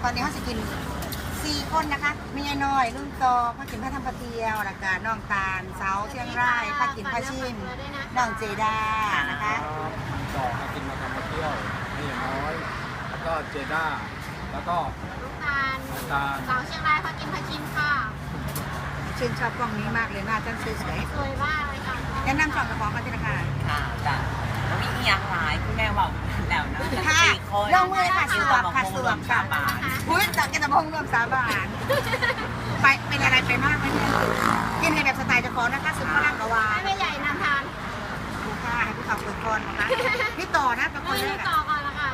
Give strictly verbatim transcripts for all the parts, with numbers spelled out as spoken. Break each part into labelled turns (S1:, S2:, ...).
S1: อนนี้เขาจะกินสี่คนนะคะมียายน้อยรุ่นโตพากินพระธรรมพระเทียวหลักการน้องตาลเสาเชียงรายพากินพระชิมน้องเจดานะคะ
S2: ต่อมากินมาทำมาเที่ยวนี่อย่างน้อย แล้วก็เจด้าแล้วก็
S3: ลูกตาล
S2: น้ำตาล
S3: สาวเชียงรายพากินพาชิมค่ะ
S1: ชื่นชอบกล้องนี้มากเลยหน้าจันสวย
S3: สวยมากเลยค่ะ
S1: ๆแนะนำสองกระป๋องกันทีละค่ะ
S4: ค่ะจ้ะแล้วมีเอียงหลายคุณแม่บอกแล้วนะ
S1: ค่ะ
S4: สี่คน
S1: ลงมือค่ะสวมค่ะสวมค่ะ
S4: บาท
S1: อุ้ยจากกินตะพงรวมสาบานไปเป็นอะไรไปมากไหมเนี่ยกินในแบบสไตล์เจ้าของนะคะซุปฝรั่งกะวา
S3: ให้แม่ใหญ่นำทาน
S1: ดูค่ะให้ผู้ขับเปิดก่อนนะคะพี่ต่อนะเป็นค
S3: เอน อ
S1: แรก
S3: ต่อก่อนละค่ะ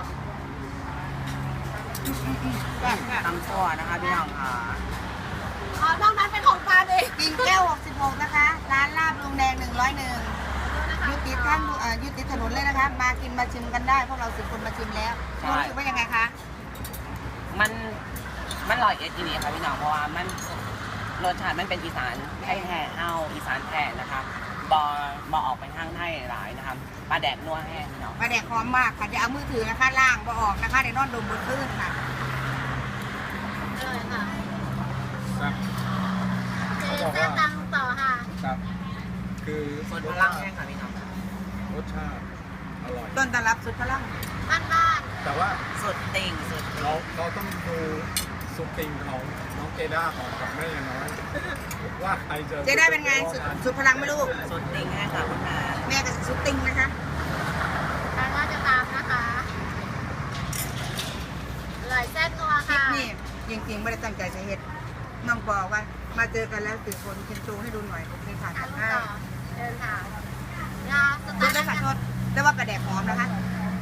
S1: แบบแบบ
S4: ตำตัวนะคะพี่น้องค่ะ
S3: อ๋อนอกนั้นเป็นของตาลเอง
S1: กินแก้วหกสิบหกนะคะ ร้านลาบลุงแดงหนึ่งร้อยหนึ่งยุติท่านเอ่อยุติถนนเลยนะคะ มากินมาชิมกันได้พวกเราสิบคนมาชิมแล้วรู้สึกว่ายังไงคะ
S4: มันมันลอยเอสทีวีค่ะพี่น้องเพราะว่ามันรสชาติมันเป็นอีสานไทยแท้เฮาอีสานแท้นะคะบอบอออกไปทางไทยหลายนะคะปลาแดกนัวแห้งพี่น้อง
S1: ปลาแดกหอมมากค่ะจะเอามือถือนะคะล่างบ่ออกนะคะเดี๋ยวนอนดมบนพื้นค่ะ
S3: อร่อยค่ะ
S2: ครับ
S3: เจแซ่บตังต่อค่ะ
S2: ครับ คือ
S4: ส่วนพลังแห้งค่ะพี่น้อง
S2: รสชาติอร่อย
S1: ต้นตำรับสุดพลัง
S3: บ้านบ้าน
S2: แต่ว่า
S4: สุดติ่งสุดติ่ง
S2: เราเราต้องดูซุปติงของน้องเจด้าของกับแม่อย่างน้อยว่าใครจะ
S1: เจะได้เป็นไงสุดสุดพลังไหม่ลูก
S4: สุดติ่งแห้งค่ะคุณแม่
S1: แม่กับสุดติงนะคะ
S3: ทางว่าจะตามนะคะอร่อยแซ่บนัว
S1: คลิป
S3: ค่ะ
S1: นี่จริงๆไม่ได้ตั้งใจจะเห็ดน้องบอกว่ามาเจอกันแล้วตื่นคนเชิญชูให้ดูหน่อยผมเลยผ่าน
S3: อั
S1: กัน น
S3: ต่
S1: ให้
S3: อเดินค่ะยาส
S1: ร
S3: ไต
S1: ส
S3: ล์
S1: ได้ค่ะทษแต่ว่าปลาแดกหอมนะคะ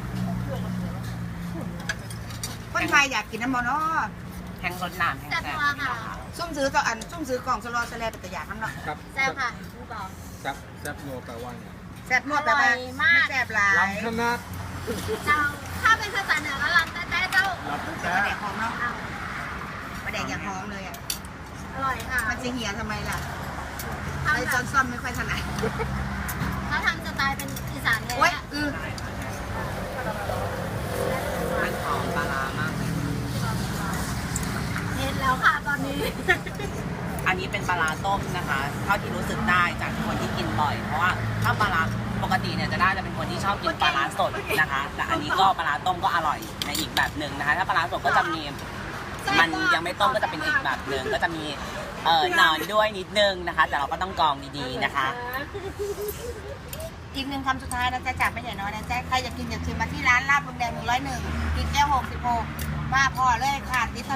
S1: คนไทยอยากกินน้ำมันเนาะ
S4: แห้งรสน้ำแห้งแซ่บค่ะพี่น้องค่ะ
S1: ซุ่มซื้อต่ออันซุ่มซื้อกล่องสลอสแลเป็นตัวอย่างน้ำเนาะ
S2: ครับ
S3: แซ่บค่ะผู้บอก
S2: แซ่บแซ่บโนแปลว่าไง
S1: แซ่บนวดแต่ว่า
S3: อร่อยมาก
S1: ไม่แซ่บหลาย
S2: ลำขนาด
S3: เจ้าถ้าเป็นภาษาเหนือก็ลำแต่แต่เจ้า
S2: ลำ
S1: ป
S2: แท้
S1: ลาแดกหอมเนาะ
S3: อ้าว
S1: ปลาแดกอย่างหอมเลยอ่ะ
S3: อร่อยค่ะ
S1: มันจะเหี่ยทำไมล่ะ
S3: ทำ
S1: ไอ้
S3: แบ
S1: จอบ นซ่อมไม่ค่อยถนัด
S3: เขาทำสไตล์เป็นอีสานเลย
S1: โอ๊ยอือ
S4: มันหอมปลาร้ามากเลย
S3: เห็นแล้วค่ะตอนนี้
S4: อันนี้เป็นปลาร้าต้มนะคะเท่าที่รู้สึกได้จากคนที่กินบ่อย เพราะว่าถ้าปลาร้าปกติเนี่ยจะได้จะเป็นคนที่ชอบกินปลาร้าสดนะคะ แต่อันนี้ก็ปลาร้าต้มก็อร่อยในอีกแบบหนึ่งนะคะ ถ้าปลาร้าสดก็จะมีมันยังไม่ต้มก็จะเป็นอีกแบบหนึ่งก็จะมีเอ่อหนอนด้วยนิดนึงนะคะ แต่เราก็ต้องกรองดีๆนะคะ
S1: อีกหนึ่งคำสุดท้ายนะจ๊ะจากไม่ใหญ่น้อยนะจ๊ะใครอยากกินอยากชิมมาที่ร้านลาบลุงแดงหนึ่งร้อยหนึ่งกินแก้วหกสิบหกมาพอเลยค่ะ